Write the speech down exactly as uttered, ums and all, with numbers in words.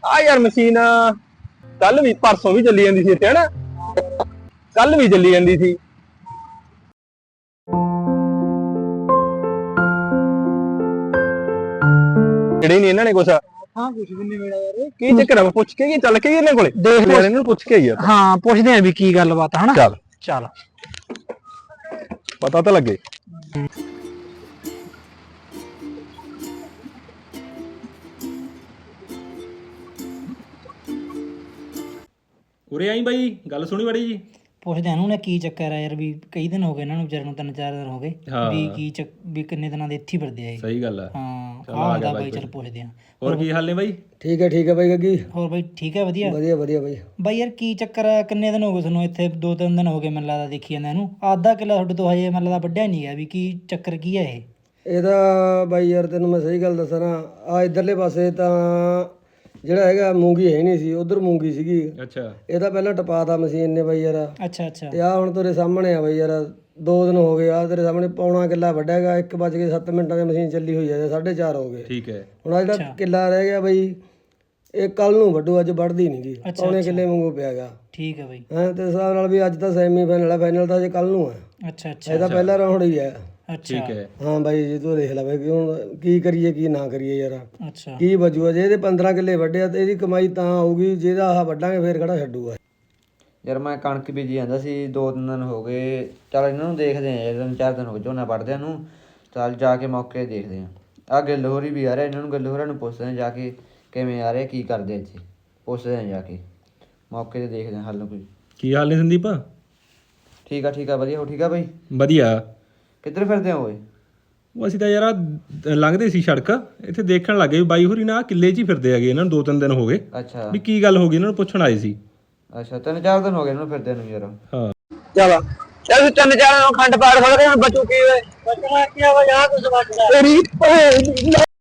ਆ ਯਾਰ ਮਸ਼ੀਨ ਕੱਲ ਵੀ ਪਰਸੋਂ ਵੀ ਚੱਲੀ ਜਾਂਦੀ ਸੀ ਇੱਥੇ ਹਨਾ, ਕੱਲ ਵੀ ਚੱਲੀ ਜਾਂਦੀ ਸੀ। ਜਿਹੜੇ ਨਹੀਂ ਇਹਨਾਂ ਨੇ ਕੁਛ ਹਾਂ ਕੁਝ ਵੀ ਨਹੀਂ ਮਿਲਿਆ ਯਾਰ। ਕੀ ਚੱਕਰ ਆ? ਪੁੱਛ ਕੇ ਕੀ ਚੱਲ ਕੇ ਇਹਨਾਂ ਕੋਲੇ ਦੇਖ ਯਾਰ, ਇਹਨਾਂ ਨੂੰ ਪੁੱਛ ਕੇ ਯਾਰ। ਹਾਂ ਪੁੱਛਦੇ ਆ ਵੀ ਕੀ ਗੱਲਬਾਤ ਹਨਾ। ਚੱਲ ਚੱਲ ਪਤਾ ਤਾਂ ਲੱਗੇ। ਉਰੇ ਆਈ ਬਾਈ, ਗੱਲ ਸੁਣੀ ਬੜੀ ਜੀ। ਪੁੱਛਦੇ ਆ ਉਹਨੇ ਕੀ ਚੱਕਰ ਆ ਯਾਰ, ਵੀ ਕਈ ਦਿਨ ਹੋ ਗਏ ਇਹਨਾਂ ਨੂੰ ਵਿਚਾਰੇ ਨੂੰ, ਤਿੰਨ ਚਾਰ ਦਿਨ ਹੋ ਗਏ ਹਾਂ। ਵੀ ਕੀ ਚੱਕ ਵੀ ਕਿੰਨੇ ਦਿਨਾਂ ਦੇ ਇੱਥੇ ਹੀ ਫਿਰਦੇ ਆ ਇਹ। ਸਹੀ ਗੱਲ ਆ। ਹਾਂ ਚੱਲ ਆ ਆ ਹੁੰਦਾ ਗਿਆ ਬਾਈ, ਬਾਈ ਚੱਲ ਪੁੱਛਦੇ ਆ। ਹੋਰ ਕੀ ਹਾਲ ਨੇ ਬਾਈ? ਠੀਕ ਹੈ ਠੀਕ ਹੈ ਬਾਈ ਗੱਗੀ। ਹੋਰ ਬਾਈ ਠੀਕ ਹੈ? ਵਧੀਆ ਵਧੀਆ ਵਧੀਆ ਬਾਈ। ਬਾਈ ਯਾਰ ਕੀ ਚੱਕਰ ਆ, ਕਿੰਨੇ ਦਿਨ ਹੋ ਗਏ ਤੁਹਾਨੂੰ ਇੱਥੇ? ਦੋ ਤਿੰਨ ਦਿਨ ਹੋ ਗਏ ਮੈਨੂੰ ਲੱਗਦਾ ਦੇਖੀ ਜਾਂਦਾ ਇਹਨੂੰ। ਅੱਧਾ ਕਿੱਲਾ ਤੁਹਾਡੇ ਤੋਂ ਹਜੇ ਮੈਨੂੰ ਲੱਗਦਾ ਵੱਢਿਆ ਨਹੀਂ ਗਿਆ, ਵੀ ਕੀ ਚੱਕਰ ਕੀ ਹੈ ਇਹ? ਇਹਦਾ ਬਾਈ ਯਾਰ ਤੈਨੂੰ ਮੈਂ ਸਹੀ ਗੱਲ ਦੱਸਾਂ ਨਾ, ਆ ਇਧਰਲੇ ਪਾਸੇ ਤਾਂ ਜਿਹੜਾ ਹੈਗਾ ਮੂੰਗੀ ਹੈ ਨਹੀਂ ਸੀ, ਉਧਰ ਮੂੰਗੀ ਸੀਗੀ। ਅੱਛਾ। ਇਹਦਾ ਪਹਿਲਾਂ ਟਪਾਤਾ ਮਸ਼ੀਨ ਨੇ ਬਾਈ ਯਾਰ। ਅੱਛਾ ਅੱਛਾ। ਤੇ ਆ ਹੁਣ ਤੇਰੇ ਸਾਹਮਣੇ ਆ ਬਾਈ ਯਾਰ, ਦੋ ਦਿਨ ਹੋ ਗਏ ਆ ਤੇਰੇ ਸਾਹਮਣੇ ਪੌਣਾ ਕਿੱਲਾ ਵੱਢਿਆ ਹੈਗਾ। ਇੱਕ ਵੱਜ ਕੇ ਸੱਤ ਮਿੰਟਾਂ ਦੀ ਮਸ਼ੀਨ ਚੱਲੀ ਹੋਈ ਹੈ, ਸਾਢੇ ਚਾਰ ਹੋ ਗਏ। ਠੀਕ ਹੈ। ਹੁਣ ਆ ਜਿਹੜਾ ਕਿੱਲਾ ਰਹਿ ਗਿਆ ਬਾਈ, ਇਹ ਕੱਲ ਨੂੰ ਵੱਢੂ, ਅੱਜ ਵੱਢਦੀ ਨਹੀਂ ਗੀ। ਪੌਣੇ ਕਿੱਲੇ ਵਾਂਗੂ ਪਿਆ ਹੈਗਾ। ਠੀਕ ਹੈ ਬਾਈ। ਹਾਂ ਤੇ ਇਸ ਹਿਸਾਬ ਨਾਲ ਵੀ ਅੱਜ ਤਾਂ ਸੈਮੀ ਫਾਈਨਲ ਆ, ਫਾਈਨਲ ਤਾਂ ਅਜੇ ਕੱਲ ਨੂੰ ਆ। ਅੱਛਾ ਅੱਛਾ ਇਹਦਾ ਪਹਿਲਾ ਰਾਉਂਡ ਹੀ ਹੈ। ਅੱਛਾ ਠੀਕ ਹੈ। ਹਾਂ ਬਾਈ ਜੀ ਤੂੰ ਦੇਖ ਲੈ ਬਾਈ, ਹੁਣ ਕੀ ਕਰੀਏ ਕੀ ਨਾ ਕਰੀਏ ਯਾਰ। ਅੱਛਾ ਕੀ ਬਚੂਗਾ ਜੇ ਇਹਦੇ ਪੰਦਰਾਂ ਕਿੱਲੇ ਵੱਢਿਆ ਤੇ ਇਹਦੀ ਕਮਾਈ ਤਾਂ ਆਊਗੀ, ਜਿਹਦਾ ਆਹ ਵੱਢਾਂਗੇ ਫੇਰ ਕਿਹੜਾ ਛੱਡੂਗਾ। ਯਾਰ ਮੈਂ ਕਣਕ ਬੀਜੀ ਜਾਂਦਾ ਸੀ, ਦੋ ਤਿੰਨ ਦਿਨ ਹੋ ਗਏ। ਚੱਲ ਇਹਨਾਂ ਨੂੰ ਦੇਖਦੇ ਆ, ਤਿੰਨ ਚਾਰ ਦਿਨ ਹੋ ਗਏ ਝੋਨਾ ਵੱਢਦਿਆਂ ਨੂੰ। ਚੱਲ ਜਾ ਕੇ ਮੌਕੇ ਦੇਖਦੇ ਆ। ਆਹ ਗਿੱਲ ਹੋਰੀ ਵੀ ਆ ਰਿਹਾ, ਇਹਨਾਂ ਨੂੰ ਗਿੱਲ ਹੋਰਾਂ ਨੂੰ ਪੁੱਛਦੇ ਆ ਜਾ ਕੇ ਕਿਵੇਂ ਆ ਰਹੇ, ਕੀ ਕਰਦੇ ਇੱਥੇ, ਪੁੱਛਦੇ ਆ ਜਾ ਕੇ ਮੌਕੇ 'ਤੇ ਦੇਖਦੇ ਆ ਹੱਲ ਕੋਈ। ਕੀ ਹਾਲ ਨੇ ਸੰਦੀਪ? ਠੀਕ ਆ ਠੀਕ ਆ ਵਧੀਆ। ਹੋ ਠੀਕ ਆ ਬਾਈ? ਵਧੀਆ। ਕਿੱਧਰ ਫਿਰਦੇ ਹੋ ਓਏ? ਉਹ ਅਸੀਂ ਤਾਂ ਯਾਰ ਆਹ ਲੰਘਦੇ ਸੀ ਸੜਕ, ਇੱਥੇ ਦੇਖਣ ਲੱਗੇ ਵੀ ਬਾਈ ਹੋਰੀ ਨਾ ਆਹ ਕਿੱਲੇ 'ਚ ਹੀ ਫਿਰਦੇ ਹੈਗੇ। ਇਹਨਾਂ ਨੂੰ ਦੋ ਤਿੰਨ ਦਿਨ ਹੋ ਗਏ ਅੱਛਾ ਵੀ ਕੀ ਗੱਲ ਹੋ ਗਈ, ਇਹਨਾਂ ਨੂੰ ਪੁੱਛਣ ਆਏ ਸੀ। ਅੱਛਾ ਤਿੰਨ ਚਾਰ ਦਿਨ ਹੋ ਗਏ ਇਹਨਾਂ ਨੂੰ ਫਿਰਦਿਆਂ ਨੂੰ ਯਾਰ। ਹਾਂ ਚੱਲ ਚੱਲ ਤਿੰਨ ਚਾਰ ਖੰਡ ਪਾੜ ਖੜ ਕੇ ਬਚੂ ਕੀ ਓਏ? ਬਚਣਾ ਕੀ ਆ ਯਾਰ, ਕੁਝ ਬਚਦਾ ਤੇਰੀ